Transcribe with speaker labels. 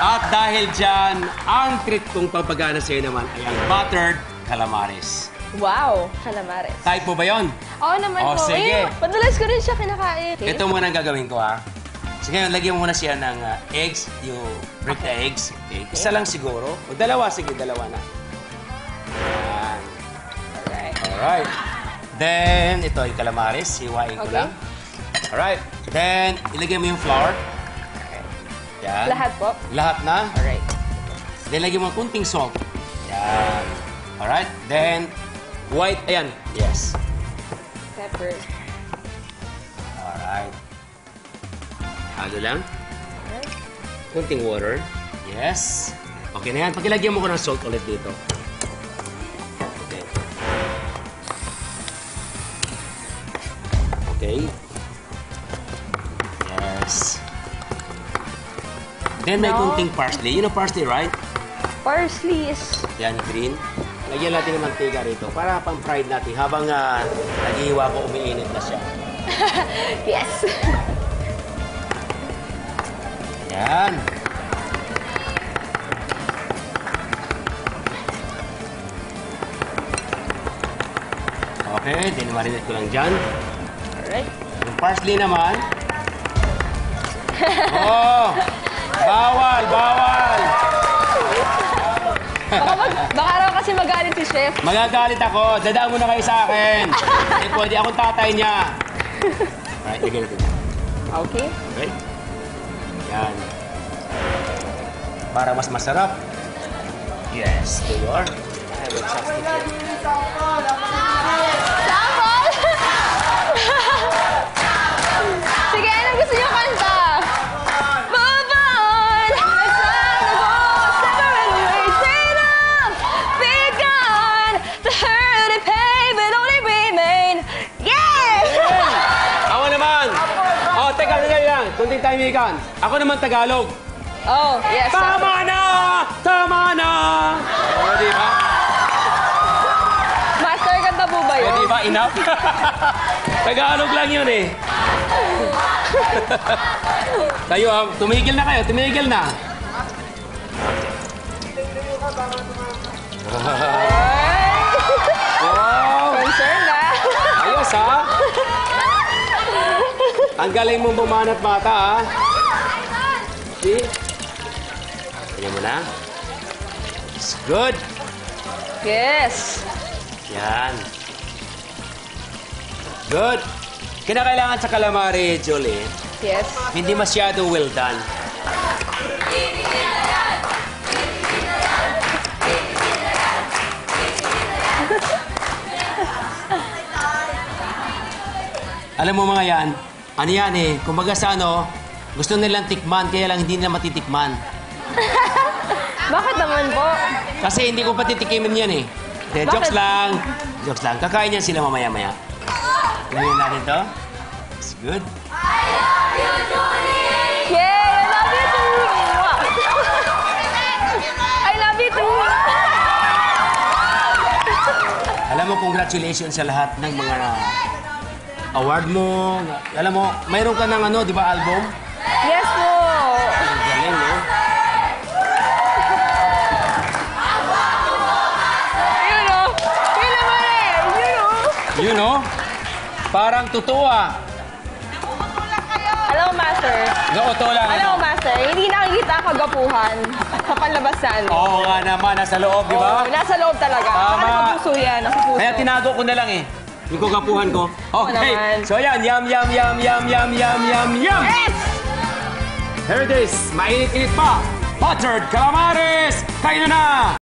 Speaker 1: At dahil dyan, ang treat kong papagana sa'yo naman ay ang buttered calamares.
Speaker 2: Wow, calamares.
Speaker 1: Type mo ba yun?
Speaker 2: Oo naman
Speaker 1: Oh,
Speaker 2: po.
Speaker 1: sige.
Speaker 2: Madalas ko rin siya kinakain.
Speaker 1: Ito muna ang gagawin ko, ha? Sige, ngayon, lagyan mo muna siya ng eggs. You break the eggs. Okay. Isa lang siguro. O dalawa, sige, dalawa na. Ayan.
Speaker 2: Alright.
Speaker 1: Alright. Then, ito yung calamares. Hiwain ko
Speaker 2: Okay.
Speaker 1: lang. Alright. Then, ilagay mo yung flour. Okay. Yan.
Speaker 2: Lahat po?
Speaker 1: Lahat na.
Speaker 2: Alright.
Speaker 1: Then, lagyan mo kunting salt. Yan. Alright. Then, white. Ayan. Yes.
Speaker 2: Pepper.
Speaker 1: Alright. Halo lang.
Speaker 2: Alright.
Speaker 1: Kunting water. Yes. Okay na yan. Pakilagyan mo ko ng salt ulit dito. Okay. Okay. Yes. Then may
Speaker 2: No.
Speaker 1: kunting parsley. You know parsley, right?
Speaker 2: Parsley is...
Speaker 1: Yan, green. Lagyan natin ng mantika rito para pang-fried natin habang naghihiwa ko, umiinit na siya.
Speaker 2: Yes.
Speaker 1: Yan. Okay, dinimarinate ko lang dyan.
Speaker 2: Alright.
Speaker 1: Yung parsley naman. Oh! Bawal! Bawal!
Speaker 2: Baka raw kasi magalit si Chef.
Speaker 1: Magagalit ako. Dadaan mo na kayo sa akin. Eh, pwede akong tatay niya. Alright, lagyan natin.
Speaker 2: Okay.
Speaker 1: Okay? Yan. Para mas masarap. Yes, there you are. I have a chopstick here.
Speaker 2: Sample! Sige, anong gusto niyo kanta? Move on! Let's go! Separate ways, freedom! Be gone! The hurt and pain will only remain. Yeah!
Speaker 1: Ako naman! Oh, teka, lang. Kunting tahimikan. Ako naman Tagalog.
Speaker 2: Oh, yes.
Speaker 1: Tama na! Tama na! O, di ba?
Speaker 2: Master, kanta po ba
Speaker 1: O,
Speaker 2: yun?
Speaker 1: di ba? Enough? Tagalog lang yun eh. Kayo, tumigil na kayo. Tumigil na. Wow!
Speaker 2: Concern na.
Speaker 1: Ayos, ha? Ang galing mong bumanat mata, ha? See? Tignan mo na. It's good.
Speaker 2: Yes.
Speaker 1: Yan. Good. Kinakailangan sa calamari, Julie,
Speaker 2: Yes.
Speaker 1: hindi masyado well done. Alam mo mga yan, ano yan eh, kumbaga sa ano, gusto nilang tikman, kaya lang hindi nila matitikman.
Speaker 2: Bakit naman po?
Speaker 1: Kasi hindi ko patitikimin yan eh. De,
Speaker 2: Bakit?
Speaker 1: jokes lang. Jokes lang. Kakain yan sila mamaya-maya. Lagyan natin to. It's good.
Speaker 2: Yay! I love you too! I love you too!
Speaker 1: Alam mo, congratulations sa lahat ng mga award mo. Alam mo, mayroon ka ng ano, di ba, album?
Speaker 2: Yes po!
Speaker 1: Ang galing, no?
Speaker 2: You know? Yun naman eh! You know?
Speaker 1: You know? Parang totoo ah.
Speaker 2: Alam mo, Master?
Speaker 1: Gauto lang.
Speaker 2: Alam mo, Master? Hindi nakikita ang kagapuhan sa panlabasan.
Speaker 1: Oo nga naman, nasa loob, di ba?
Speaker 2: Oo, nasa loob talaga.
Speaker 1: Tama.
Speaker 2: Baka nakapuso yan. Nasa puso.
Speaker 1: Kaya tinago ko na lang eh. Yung kagapuhan ko. Okay.
Speaker 2: naman.
Speaker 1: So yan, yum, yum, yum, yum, yum, yum, yum, yum.
Speaker 2: Yes!
Speaker 1: Here it is. Mainit-init pa. Buttered calamares. Kain na na.